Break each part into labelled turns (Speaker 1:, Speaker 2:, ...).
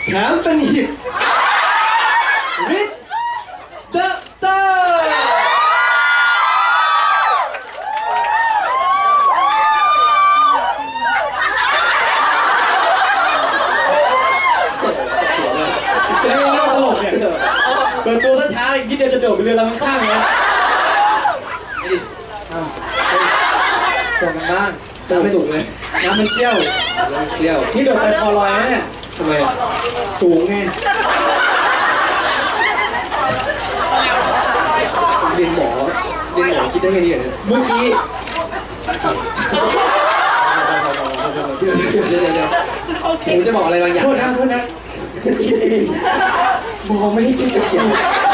Speaker 1: แถมเป็นฮิตวิดเดอะสตาร์
Speaker 2: เป็นเรื่องตลกเนี่ยเปิดตัวช้าๆอีกนิดเดียวจะโดดไปเรือลำข้างๆแล้วห่วงกันบ้าง
Speaker 1: สนุกสุดเลย
Speaker 2: น้ำมันเชี่ยวนี่โดดไปคอลอยแล้วเนี่ย
Speaker 1: ทำไม
Speaker 2: สูงไง
Speaker 1: เรียนหมอคิดได้แค่นี้เหรอ
Speaker 2: เมื่อกี้
Speaker 1: เดี๋ยวผมจะบอกอะไรบางอย่าง
Speaker 2: โทษนะคิดเองมองไม่ได้คิดกับเกี่ยว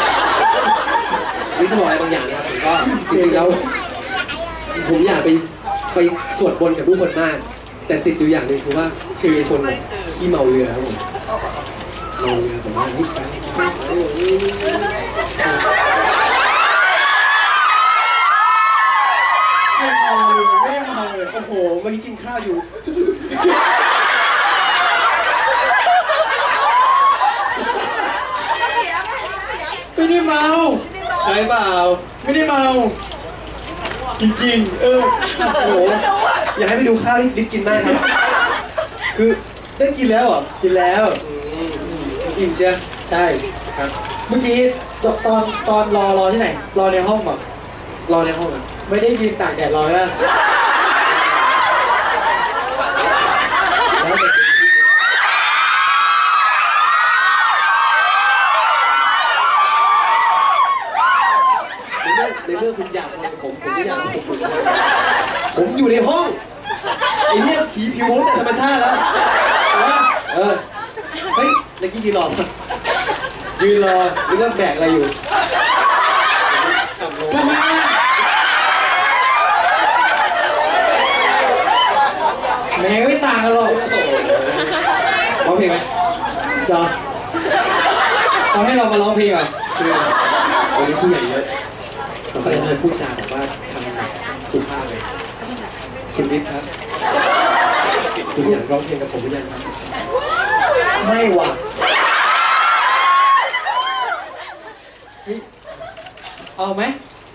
Speaker 1: นี่จะบอกอะไรบางอย่างนะครับผมก็จริงๆแล้วผมอยากไปสวดบนกับผู้คนมากแต่ติดอยู่อย่างหนึ่งคือว่าคือคนที่เมาเรือครับผมเมาเรือผมว่าเฮ้ย
Speaker 2: ใช่เมาเลยไม่ได้เมาเลย
Speaker 1: โอ้โหเมื่อกี้กินข้าวอยู่
Speaker 2: ไม่ได้เมา
Speaker 1: ใช่เปล่า
Speaker 2: ไม่ได้เมาจริงๆโ
Speaker 1: อ้โหอยากให้ไปดูข้าวที่ลิศกินมากครับคือได้กินแล้วเหรอ
Speaker 2: กินแล้ว
Speaker 1: อิ่มเชียว
Speaker 2: ใช่ครับเมื่อกี้ตอนรอที่ไหนรอในห้องแบบ
Speaker 1: รอในห้องอ่ะ
Speaker 2: ไม่ได้ยืนตากแดดรอแล้ว
Speaker 1: ในเมื่อคุณอยากมาผมไม่อยากมาผมอยู่ในห้องไอ้เนี่ยสีผิวผมแต่ธรรมชาติแล้วเฮ้ยเมื่อกี้ยืนรอหรือว่าแบกอะไรอยู่
Speaker 2: ทำไมแม่ไม่ต่างกันหรอก
Speaker 1: ร้องเพลงไหม
Speaker 2: จอเอาให้เรามาร้องเพลงอ่ะ
Speaker 1: คือวันนี้ผู้ใหญ่เยอะเราก็เลยพูดจาแบบว่าทำสุภาพเลยคุณวิทย์ครับคุณอยากร้องเพลงกับผมหรือยังครับ
Speaker 2: ไม่หวังเอาไหม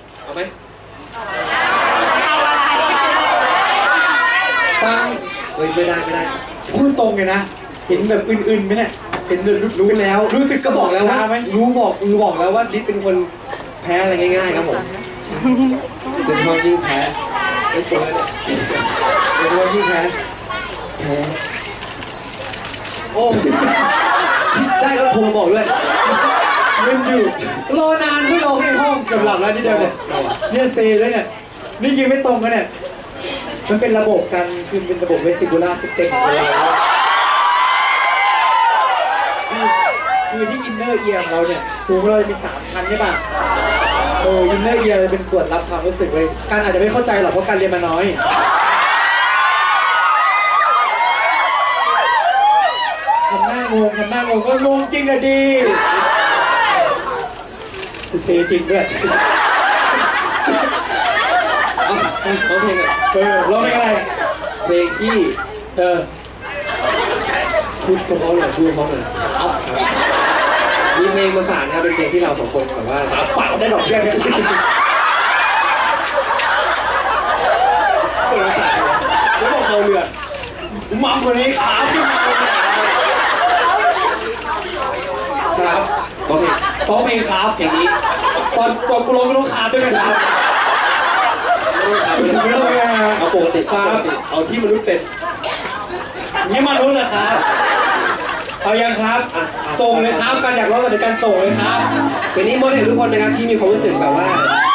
Speaker 2: ฟัง
Speaker 1: ไม่ได้
Speaker 2: พูดตรงเลยนะเห็นแบบอื่นๆไหมเนี่ยเห็น
Speaker 1: รู้แล้ว
Speaker 2: รู้สึกก็บอกแล้วว่า
Speaker 1: รู้บอกแล้วว่าลิศเป็นคนแพ้อะไรง่ายๆครับผมโดยเฉพาะยิ่งแพ้ไอ้ตัวเนี่ยโดยเฉพาะยิ่งแพ้โอ้คิดได้ก็โทรมาบอกด้วย
Speaker 2: เล่นอยู่รอนานไม่รอในห้องเกือบหลับแล้วนี่เดียวเนี่ยเซด้วยเนี่ยนี่ยืนไม่ตรงกันเนี่ยมันเป็นระบบการคือเป็นระบบเวสติบูล่าซิสเต็มของเราคือที่อินเนอร์เอียร์ของเราเนี่ยหูเราจะมี3ชั้นใช่ป่ะอินเนอร์เอียร์เลยเป็นส่วนรับความรู้สึกเลยการอาจจะไม่เข้าใจหรอกเพราะการเรียนมาน้อยทำหน้างงก็งงจริงอะดีกูเซจริงด้วย
Speaker 1: ร้องเพลงอ่ะ
Speaker 2: ร้องเพลงอะไร
Speaker 1: เพลงที่พูดเพราะๆหน่อยครับมีเพลงมาฝากนะครับเป็นเพลงที่เราสองคนแบบว่า
Speaker 2: ฝากได้ดอกแก้ว
Speaker 1: เปิดภาษาแล้วบอกเราเรือ
Speaker 2: มัมคนนี้ครับร้องเพลงครับอย่างนี้ตอนกูร้องก็ต้องขาด้วยไหมครับไม่ต้องไง
Speaker 1: เอาปกติเอาที่มนุษย์เป็น
Speaker 2: ไม่มนุษย์เหรอครับเอายังครับส่งเลยครับการอยากร้องกับการส่งเลยครับ
Speaker 1: วันนี้มอบให้ทุกคนนะครับที่มีความรู้สึกแบบว่า